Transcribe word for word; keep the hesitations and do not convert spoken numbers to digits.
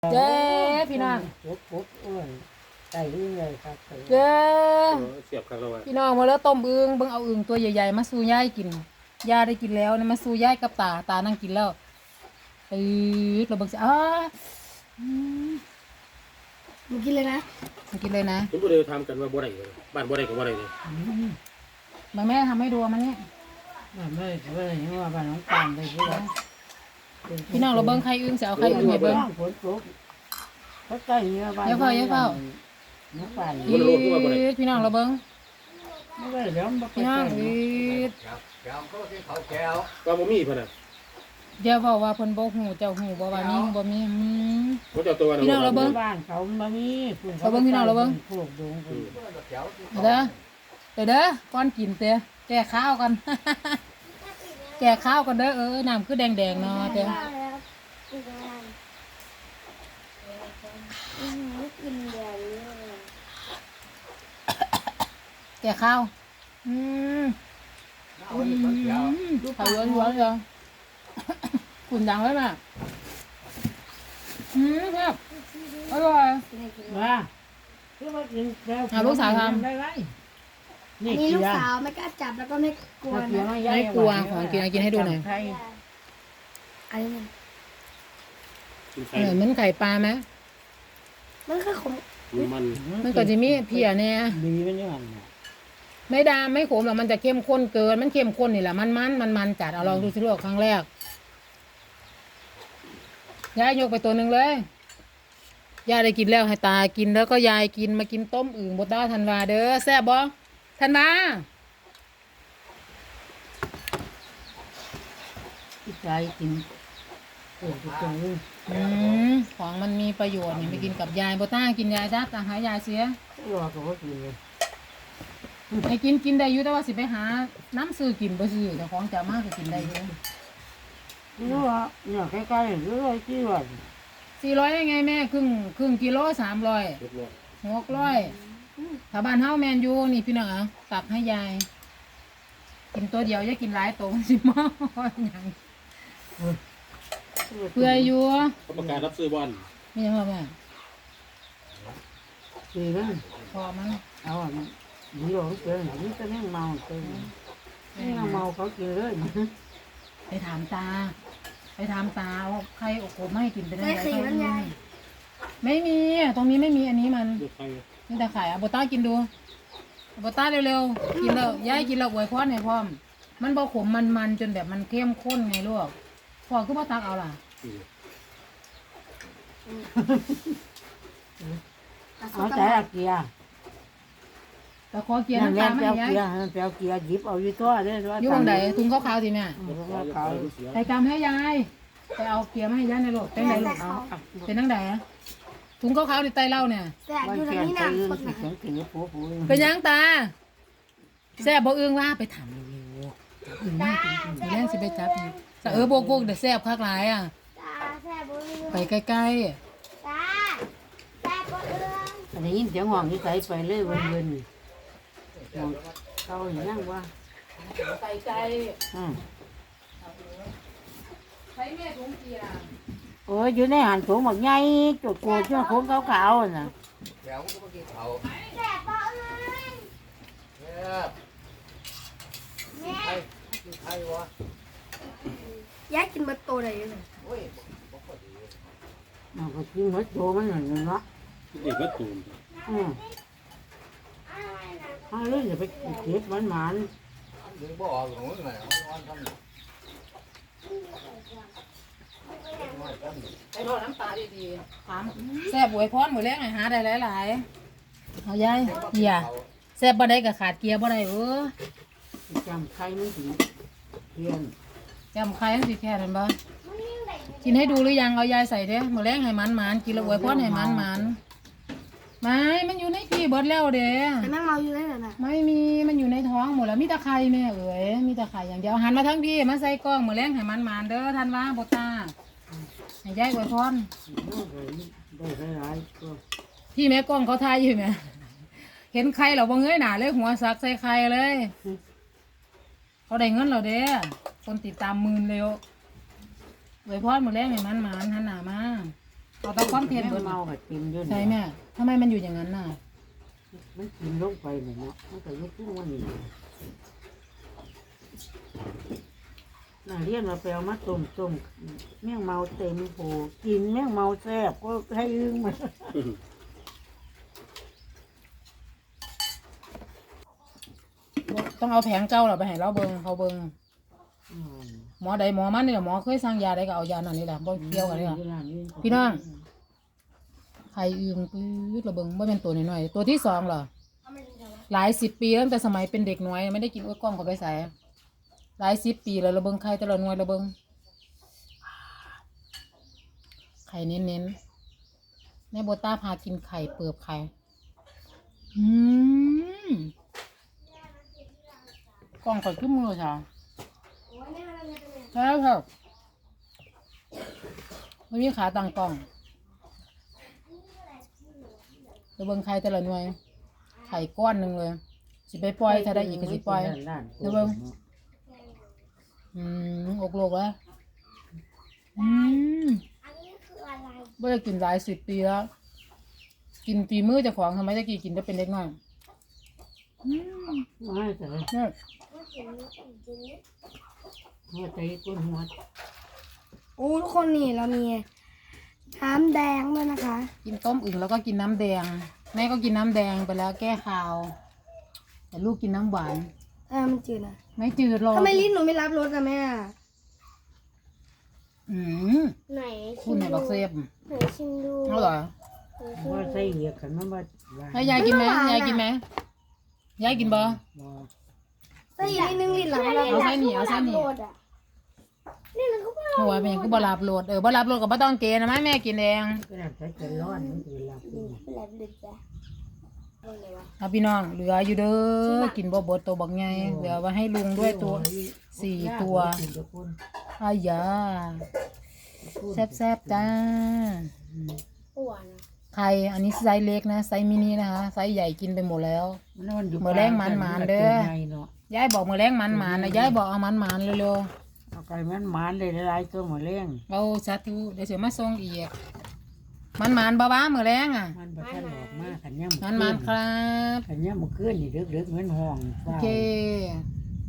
เจ้พี่น้องปุ๊บปุ๊บอ้วนใส่ยิ่งเลยครับเจ้เสียบกันแล้วอ่ะพี่น้องมาแล้วต้มอึ่งเบิ่งเอาอึ่งตัวใหญ่ๆมาสู่ยายกินยายได้กินแล้วนะมาสู่ยายกับตาตานั่งกินแล้วเออเราเบิ่งสิอ้าอืมมึงกินเลยนะมากินเลยนะผมก็เลยทำกันว่าบ่ได้เลยบ้านบ่ได้กับบ่ได้เลยมาแม่ทำให้ดูมาเนี่ยไม่ไม่ไม่ไม่ว่าบ้านน้องปานได้ด้วยพี่น้องเราเบิ่งไข่อึ่งสิเอาไข่อึ่งให้เบิ่งฝนตกเขาใกล้เนื้อบ้านอย่าเฝ้าอย่าเฝ้าน้องปานอีดพี่น้องเราเบิ่งไม่ได้เดี๋ยวมันพี่น้องอีดว่าบ่มีเพิ่นน่ะอย่าเว้าว่าเพิ่นบ่ฮู้เจ้าฮู้บ่ว่ามีบ่มีอืมบ่เจ้าตัวพี่น้องเราเบิ่งบ้านเขามามีเราเบิ่งพี่น้องเราเบิ่งพวกดงเด้อเดี๋ยวเด้อก่อนกินเต้แก่ข้าวกัน แก่ข้าวกันเด้อเออน้ำคือแดงๆเนาะเต้กินอะไรอืมกินเดี๋ยวนี้แก่ข้าวอืมอืมดูไข่ล้วนๆเลยขุ่นดังไว้ป่ะอืมครับอร่อยว่าคือว่ากินแล้วอ่ะลูกสาวทำได้ไรอันนี้ลูกสาวไม่กล้าจับแล้วก็ไม่กลัวนะไม่กลัวของกินกินให้ดูหน่อยอันนี้มันกินเอไข่อเหมือนไข่ปลาไหมมันก็ขมมันมันก็จะมีเพียเนี่ยดีมันยังไงไม่ดามไม่ขมหรอกมันจะเข้มข้นเกินมันเข้มข้นนี่แหละมันมันมันมันจัดเอาลองดูสิลูกครั้งแรกยายยกไปตัวหนึ่งเลยยายได้กินแล้วให้ตากินแล้วก็ยายกินมากินต้มอึ่งบดด้าธันวาเด้อแซ่บบ่ธันวาที่ใจกินโอ้ทุกคนอืมของมันมีประโยชน์นี่ไปกินกับยายบดด้ากินยายจ้าตาหายายเสียรอกับว่ากินเลยไอ้กินกินได้อยู่แต่ว่าสิไปหาน้ำซื้อกินบ่ซื้อแต่ของจะมากก็กินได้อยู่รู้ว่าเนี่ยใกล้ๆรู้ว่าที่ว่าสี่ร้อยได้ไงแม่ครึ่งครึ่งกิโลสามร้อยเรียบร้อยหกร้อยถ้าบ้านเฮาแมนยูนี่พี่น้องเอาตักให้ยายกินตัวเดียวอย่ากินหลายตัวสิมาอย่างเพื่ออยู่เขาประกาศรับซื้อบอลไม่ยังหรอแม่ดีนะพอมั้งเอาอ่ะดีหรอเจอหนังจะแม่งเมาเจอแม่งเมาเขากินเลยไปถามตา ไปถามตาว่าใครโอ้โหไม่ให้กินไปได้ไม่ไงสีมันใหญ่ไม่มีตรงนี้ไม่มีอันนี้มันดูไข่นี่แต่ไข่อะโบต้ากินดูโบต้าเร็วๆกินแล้วย้ายกินแล้วอวยพรให้พร้อมมันบ่ขมมันมันจนแบบมันเข้มข้นไงลูกพ่อคือพ่อตักเอาล่ะเอาใจเกียร์แต่ขอเกียร์นั่นน้ำแหตาละลมาเปียวให้ยายเกียร์เปียวเกียร์หยิบเอาอยู่ตัวเลยว่าอยู่ตรงไหนถุงขาวๆสิแม่เขาใส่กำให้ยายไปเอาเกียร์มาให้ยายในรถเป็นไหนลูกเป็นนั่งไหนถุงขาวๆในไตเหล้าเนี่ยแต่บ้านอยู่ตรงเกียร์นี้ไปนะยืนคนสินะเสียงถือผัวผัวเป็นยังตาแซ่บบ่อึ้งว่าไปถามเร็วๆอึ้งน่ากินจริงๆแย่งสิไปจับนี่แต่เออโบกโบกเดี๋ยวแซ่บคักหลายอ่ะตาแซ่บบุ้ไปใกล้ตาแซ่บบุ้งอันนี้ยินเสียงห่วงที่ใส่ไปเลยวันเย็นห่วงเขาอย่างนั้นว่าๆไปไกลอืมใช้แม่ถุงเกียร์โอ้ยอยู่ในหันสูงหมดไงจุดโกดช่วงโค้งขาวๆน่ะแซ่บบุ้งแม่ยายกินเบะโตได้ยังไงมันก็กินหมดโตมันหนึ่งเนาะเด็กก็ตูนอืมเอาเลยอย่าไปเก็บมันหมันไปรอน้ำตาดีๆถามแซ่บหวยพรหมดแล้วไงหาได้หลายๆเอายายเกียร์แซ่บบ่ได้ก็ขาดเกียร์บ่ได้เออจำใครไม่ถึงเทียนจำใครทั้งสิแค่นั้นบ่กินให้ดูหรือยังเอายายใส่เด้หมดแล้วให้มันมันๆกินแล้วหวยพรให้มันมันๆไม่มันอยู่ในพี่เบิดแล้วเด้แต่แม่งเมาอยู่ได้เหรอนะไม่มีมันอยู่ในท้องหมดแล้วมีแตะไคร่แม่เอ๋ยมีแตะไคร่อย่างเดียวหันมาทั้งพี่มาใส่กล้องหมดแล้วให้มันมันๆเด้อท่านว่าบ่ตาให้ยายหวยพรได้หลายๆก็พี่แม่กล้องเขาทายอยู่ไหม เห็นใครเราบ่เงยหน้าเลยหัวสักใส่ใครเลย เขาได้เงินเราเด้คนติดตามหมื่นเร็วไว้พอดหมดแล้วไงมันหมานหันหน้ามาเอาแต่ความเผ็ดแม่เบิดงเมาก็กินอยู่ใช่นี่แม่ทำไมมันอยู่อย่างนั้นน่ะมันกินลงไปเนี่ยเนาะมันก็ยุบพุ่งมันนี่น่าเรียนมาแปลมาต้มต้มแม่งเมาเต็มโผกินแม่งเมาแซ่บก็ให้อึ้งมาต้องเอาแผงเก่าเราไปให้เราเบิงเขาเบิงอืมหมอใดหมอมันนี่แหละหมอเคยสั่งยาใดก็เอายานั่นนี่แหละบ่เกี่ยวกันเลยค่ะ พี่น้อง ไข่อึงปื๊ดระเบิงว่าเป็นตัวน้อยๆตัวที่สองเหรอหลายสิบปีตั้งแต่สมัยเป็นเด็กน้อยไม่ได้กินอ้วยกล้องเขาไปใส่หลายสิบปีแล้วระเบิงไข่แต่ละหน่วยระเบิงไข่เน้นๆแม่โบต้าพากินไข่เปลือกไข่อืมกล้องข่อยขึ้นมือค่ะใช่ครับไม่มีขาตั้งกล้องระเบิงไข่แต่ละหน่วยไข่ก้อนหนึ่งเลยสิไปปล่อยถ้าได้อีกก็สิปล่อยระเบิงอืมอกโลกแล้วอืมอันนี้คืออะไรไม่ได้กินหลายสิบปีแล้วกินฝีมือเจ้าของทำไมตะกี้กินได้เป็นเล็กน้อยอืมไม่แต่เนี่ยว่าเขียนนี้จริงๆนี่หัวใจก้นหัวโอ้ทุกคนนี่เรามีน้ำแดงด้วยนะคะกินต้มอึ่งแล้วก็กินน้ำแดงแม่ก็กินน้ำแดงไปแล้วแก้คาว แต่ลูกกินน้ำหวานเออมันจืดนะไม่จืดหรอกทำไมลิ้นหนูไม่รับรสอะแม่อืมไหนคุณไหนบอกเซฟไหนชิมดูเอาเหรอว่าใส่เหยียกขันมันมาให้ยายกินไหมยายกินไหมยายกินบ่ใส่อีกนิดนึงลิ้นหลังเราเอาไส้หนีเอาไส้หนีนี่มันก็ว่าหัวเป็นหยังก็บ่รับรสเออบ่รับรสก็บ่ต้องเกณฑ์นะแม่แม่กินเองก็ได้ใช้จะร้อนมันจะหลับเป็นไรเป็นไรเอาเลยวะเอาพี่น้องเหลืออยู่เด้อกินบ่เบดตัวบักใหญ่เหลือไว้ให้ลุงด้วยตัวสี่ตัวอายาแซ่บๆจ้าอ้วนอะไข่อันนี้ไซส์เล็กนะไซส์มินินะคะไซส์ใหญ่กินไปหมดแล้ว ยายบอกมือแรงมันหมานนะยายบอกเอามันหมานเร็วเอาไก่มันหมานเลยหลายตัวหมดเลี้ยงๆเอาสาธุเดี๋ยวเสียมาส่งอีกมันหมานบ้าบ้ามือแรงอ่ะมันบ่ทันออกมาขันย่ำมันหมานครับขันย่ำมันขึ้นนี่เด็กๆเหมือนห้องโอเคเ